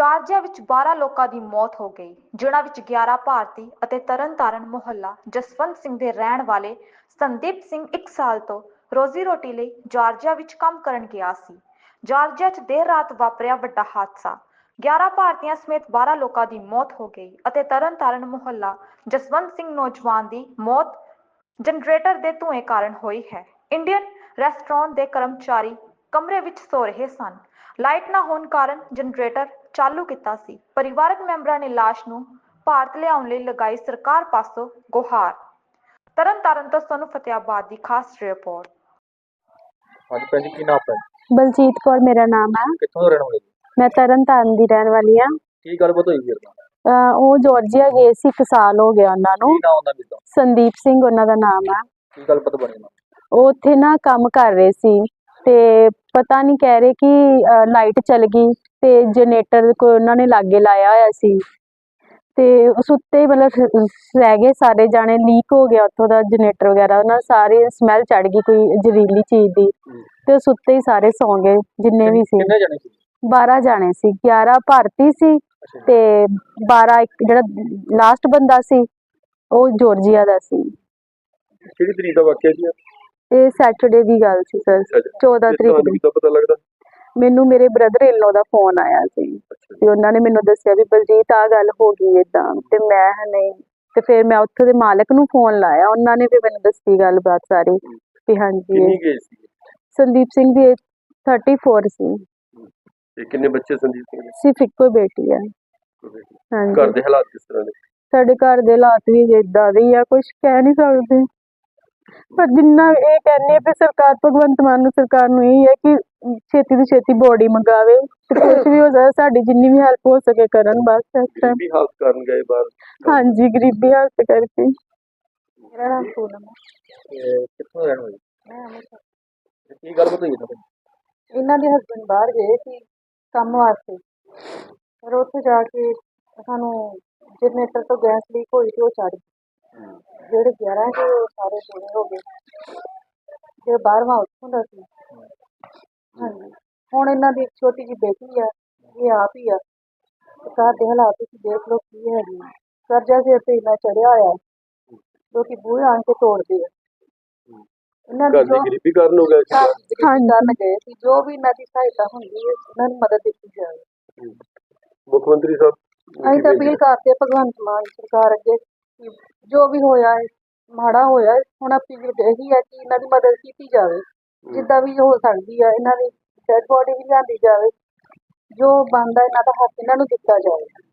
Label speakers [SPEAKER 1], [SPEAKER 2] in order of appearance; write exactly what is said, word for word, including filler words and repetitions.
[SPEAKER 1] Georgia ਵਿੱਚ ਬਾਰਾਂ ਲੋਕਾਂ ਦੀ ਮੌਤ ਹੋ ਗਈ, ਜਿਨ੍ਹਾਂ ਵਿੱਚ ਗਿਆਰਾਂ ਭਾਰਤੀ ਅਤੇ ਤਰਨਤਾਰਨ ਮੁਹੱਲਾ ਜਸਵੰਤ ਸਿੰਘ ਦੇ ਰਹਿਣ ਵਾਲੇ ਸੰਦੀਪ ਸਿੰਘ ਇੱਕ ਸਾਲ ਤੋਂ ਰੋਜ਼ੀ ਰੋਟੀ ਲਈ ਜਾਰਜੀਆ ਵਿੱਚ ਕੰਮ ਕਰਨ ਗਿਆ ਸੀ। ਜਾਰਜੀਆ 'ਚ ਦੇਰ ਰਾਤ ਵਾਪਰਿਆ ਵੱਡਾ ਹਾਦਸਾ। ਗਿਆਰਾਂ ਭਾਰਤੀਆਂ ਸਮੇਤ ਬਾਰਾਂ ਲੋਕਾਂ ਦੀ ਮੌਤ ਹੋ ਗਈ ਅਤੇ ਤਰਨਤਾਰਨ ਮੁਹੱਲਾ ਜਸਵੰਤ ਸਿੰਘ ਨੌਜਵਾਨ ਦੀ ਮੌਤ ਜਨਰੇਟਰ ਦੇ ਧੂਏ ਕਾਰਨ ਹੋਈ ਹੈ। ਇੰਡੀਅਨ ਰੈਸਟੋਰੈਂਟ ਦੇ ਕਰਮਚਾਰੀ ਕਮਰੇ ਵਿੱਚ ਸੌ ਰਹੇ ਸਨ। ਲਾਈਟ ਨਾ ਹੋਣ ਕਾਰਨ ਜਨਰੇਟਰ ਚਾਲੂ ਕੀਤਾ ਸੀ। ਪਰਿਵਾਰਕ ਮੈਂਬਰਾਂ ਨੇ ਲਾਸ਼ ਨੂੰ ਭਾਰਤ ਲਿਆਉਣ ਲਈ ਲਗਾਈ ਸਰਕਾਰ ਪਾਸੋਂ ਗੁਹਾਰ। ਤਰਨਤਾਰਨ ਤੋਂ ਸੋਨੂੰ ਫਤਿਆਬਾਦ ਦੀ ਖਾਸ ਰਿਪੋਰਟ।
[SPEAKER 2] ਹਾਂਜੀ ਭੈਣ ਜੀ, ਕੀ ਨਾਮ ਹੈ?
[SPEAKER 3] ਬਲਜੀਤ ਕੌਰ ਮੇਰਾ ਨਾਮ ਹੈ।
[SPEAKER 2] ਕਿੱਥੋਂ ਦੇ ਰਹਿਣ ਵਾਲੇ ਜੀ?
[SPEAKER 3] ਮੈਂ ਤਰਨਤਾਰਨ ਦੀ ਰਹਿਣ ਵਾਲੀ ਹਾਂ।
[SPEAKER 2] ਕੀ ਗੱਲਬਾਤ ਹੋਈ ਫਿਰ?
[SPEAKER 3] ਅਹ ਉਹ ਜਾਰਜੀਆ ਗਏ ਸੀ, ਇੱਕ ਸਾਲ ਹੋ ਗਿਆ ਉਹਨਾਂ ਨੂੰ।
[SPEAKER 2] ਕੀ ਨਾਮ ਉਹਨਾਂ ਦਾ?
[SPEAKER 3] ਸੰਦੀਪ ਸਿੰਘ ਉਹਨਾਂ ਦਾ ਨਾਮ ਹੈ।
[SPEAKER 2] ਕੀ ਗੱਲਬਾਤ ਬਣੀ ਨਾ?
[SPEAKER 3] ਉਹ ਉੱਥੇ ਨਾ ਕੰਮ ਕਰ ਰਹੇ ਸੀ ਤੇ ਪਤਾ ਨਹੀਂ, ਕਹਿ ਰਹੇ ਕਿ ਲਾਈਟ ਚਲ ਗਈ ਤੇ ਜਨਰੇਟਰ ਕੋ ਉਹਨਾਂ ਨੇ ਲਾਗੇ ਲਾਇਆ ਹੋਇਆ ਸੀ ਤੇ ਉਸ ਉੱਤੇ ਮਤਲਬ ਰਹਿ ਗਏ ਸਾਰੇ ਜਾਣੇ। ਲੀਕ ਹੋ ਗਿਆ ਉੱਥੋਂ ਦਾ ਜਨਰੇਟਰ ਵਗੈਰਾ, ਉਹਨਾਂ ਸਾਰੀ ਸਮੈਲ ਚੜ ਗਈ ਕੋਈ ਜ਼ਹਿਰੀਲੀ ਚੀਜ਼ ਦੀ ਤੇ ਉਸ ਉੱਤੇ ਹੀ ਸਾਰੇ ਸੌਂ ਗਏ ਜਿੰਨੇ ਵੀ ਸੀ।
[SPEAKER 2] ਕਿੰਨੇ ਜਣੇ ਸੀ?
[SPEAKER 3] ਬਾਰਾਂ ਜਾਣੇ ਸੀ। ਗਿਆਰਾਂ ਭਾਰਤੀ ਸੀ ਤੇ ਬਾਰਾਂ ਇੱਕ ਜਿਹੜਾ ਲਾਸਟ ਬੰਦਾ ਸੀ ਉਹ ਜਾਰਜੀਆ ਦਾ ਸੀ।
[SPEAKER 2] ਕਿਹੜੀ ਤਰੀਕ ਦਾ ਵਾਕਿਆ ਸੀ?
[SPEAKER 3] ਇਹ ਸੈਟਰਡੇ ਦੀ ਗੱਲ ਸੀ ਸਰ, ਚੌਦਾਂ ਤਰੀਕ ਨੂੰ।
[SPEAKER 2] ਕਿੱਦਾਂ ਪਤਾ ਲੱਗਦਾ?
[SPEAKER 3] ਮੈਨੂੰ ਮੇਰੇ brother in low the phone ਆਇਆ ਸੀ ਤੇ ਉਹਨਾਂ ਨੇ ਮੈਨੂੰ ਦੱਸਿਆ ਵੀ ਬਲਜੀਤ ਆਹ ਗੱਲ ਹੋ ਗਈ ਏਦਾਂ, ਤੇ ਮੈਂ ਨਹੀਂ ਤੇ ਫਿਰ ਮੈਂ ਉੱਥੋਂ ਦੇ ਮਾਲਕ ਨੂੰ ਫੋਨ ਲਾਇਆ, ਉਹਨਾਂ ਨੇ ਵੀ ਮੈਨੂੰ ਦੱਸੀ ਗੱਲਬਾਤ ਸਾਰੀ ਵੀ ਹਾਂਜੀ।
[SPEAKER 2] ਕਿੰਨੀ ਗਏ ਸੀ?
[SPEAKER 3] ਸੰਦੀਪ ਸਿੰਘ ਦੀ ਚੌਂਤੀਸ ਸੀ
[SPEAKER 2] ਤੇ ਕਿੰਨੇ ਬੱਚੇ ਸੰਦੀਪ ਸਿੰਘ ਦੇ?
[SPEAKER 3] ਸਿਰਫ ਇੱਕੋ ਬੇਟੀ ਹੈ। ਹਾਂਜੀ।
[SPEAKER 2] ਘਰ ਦੇ ਹਾਲਾਤ ਕਿਸ ਤਰ੍ਹਾਂ ਦੇ?
[SPEAKER 3] ਸਾਡੇ ਘਰ ਦੇ ਹਾਲਾਤ ਵੀ ਏਦਾਂ ਦੇ ਹੀ ਆ, ਕੁਛ ਕਹਿ ਨਹੀਂ ਸਕਦੇ। ਪਰ ਜਿੰਨਾ ਇਹ ਕਹਿੰਦੇ ਵੀ ਸਰਕਾਰ, ਭਗਵੰਤ ਮਾਨ ਨੂੰ ਸਰਕਾਰ ਨੂੰ ਇਹ ਹੈ ਕਿ ਛੇਤੀ ਤੋਂ ਛੇਤੀ ਬੋਡੀ ਮੰਗਾਵੇ ਤੇ ਕੁਛ ਵੀ ਹੋ ਜਾਏ, ਸਾਡੀ ਜਿੰਨੀ ਵੀ ਹੈਲਪ ਹੋ ਸਕੇ ਕਰਨ ਬਸ।
[SPEAKER 2] ਗਰੀਬੀ ਹਾਲਤ ਕਰਨ ਗਏ ਬਾਹਰ?
[SPEAKER 3] ਹਾਂਜੀ, ਗਰੀਬੀ ਹਾਲਤ ਕਰਕੇ। ਮੇਰਾ ਨਾਮ ਪੂਨਮ ਹੈ।
[SPEAKER 2] ਕਿੱਥੋਂ ਰਹਿਣ ਵਾਲੇ?
[SPEAKER 3] ਮੈਂ ਅੰਮ੍ਰਿਤਸਰ।
[SPEAKER 2] ਕੀ ਗੱਲਬਾਤ ਹੋਈ ਨਾ?
[SPEAKER 3] ਇਹਨਾਂ ਦੇ ਹਸਬੈਂਡ ਬਾਹਰ ਗਏ ਸੀ ਕੰਮ ਵਾਸਤੇ, ਫਿਰ ਉੱਥੇ ਜਾ ਕੇ ਸਾਨੂੰ ਜਨਰੇਟਰ ਤੋਂ ਗੈਸ ਲੀਕ ਹੋਈ ਤੇ ਉਹ ਚੜ ਗਈ। ਜਿਹੜੇ ਗਿਆਰਾਂ ਸੀ ਉਹ ਸਾਰੇ ਪੂਰੇ ਹੋ ਗਏ, ਜੇ ਬਾਰਵਾਂ ਉੱਥੋਂ ਦਾ ਸੀ। ਹਾਂਜੀ, ਹੁਣ ਇਹਨਾਂ ਦੀ ਇੱਕ ਛੋਟੀ ਜਿਹੀ ਬੇਟੀ ਆ, ਇਹ ਆਪ ਹੀ ਆ। ਘਰ ਦੇ ਹਾਲਾਤ ਤੁਸੀਂ ਦੇਖ ਲਓ ਕੀ ਹੈਗੇ। ਕਰਜ਼ਾ ਸਿਰ ਤੇ ਇੰਨਾ ਚੜਿਆ ਹੋਇਆ, ਲੋਕੀ ਬੂਹੇ ਆਣ ਕੇ ਤੋੜਦੇ ਆ। ਇਹਨਾਂ ਦੀ ਜੋ
[SPEAKER 2] ਗਰੀਬੀ ਕਾਰਨ ਹੋ ਗਿਆ।
[SPEAKER 3] ਕਰਨ ਗਏ ਸੀ, ਜੋ ਵੀ ਇਹਨਾਂ ਦੀ ਸਹਾਇਤਾ ਹੁੰਦੀ ਹੈ ਇਹਨਾਂ ਨੂੰ ਮਦਦ ਦਿੱਤੀ ਜਾਵੇ।
[SPEAKER 2] ਮੁੱਖ ਮੰਤਰੀ ਸਾਹਿਬ
[SPEAKER 3] ਅਸੀਂ ਤਾਂ ਅਪੀਲ ਕਰਦੇ ਭਗਵੰਤ ਮਾਨ ਸਰਕਾਰ ਅੱਗੇ, ਜੋ ਵੀ ਹੋਇਆ ਹੈ ਮਾੜਾ ਹੋਇਆ, ਹੁਣ ਅਪੀਲ ਇਹੀ ਹੈ ਕਿ ਇਹਨਾਂ ਦੀ ਮਦਦ ਕੀਤੀ ਜਾਵੇ ਜਿੱਦਾਂ ਵੀ ਹੋ ਸਕਦੀ ਹੈ। ਇਹਨਾਂ ਦੀ ਡੈਡ ਬੋਡੀ ਵੀ ਲਿਆਂਦੀ ਜਾਵੇ, ਜੋ ਬਣਦਾ ਇਹਨਾਂ ਦਾ ਹੱਕ ਇਹਨਾਂ ਨੂੰ ਦਿੱਤਾ ਜਾਵੇ।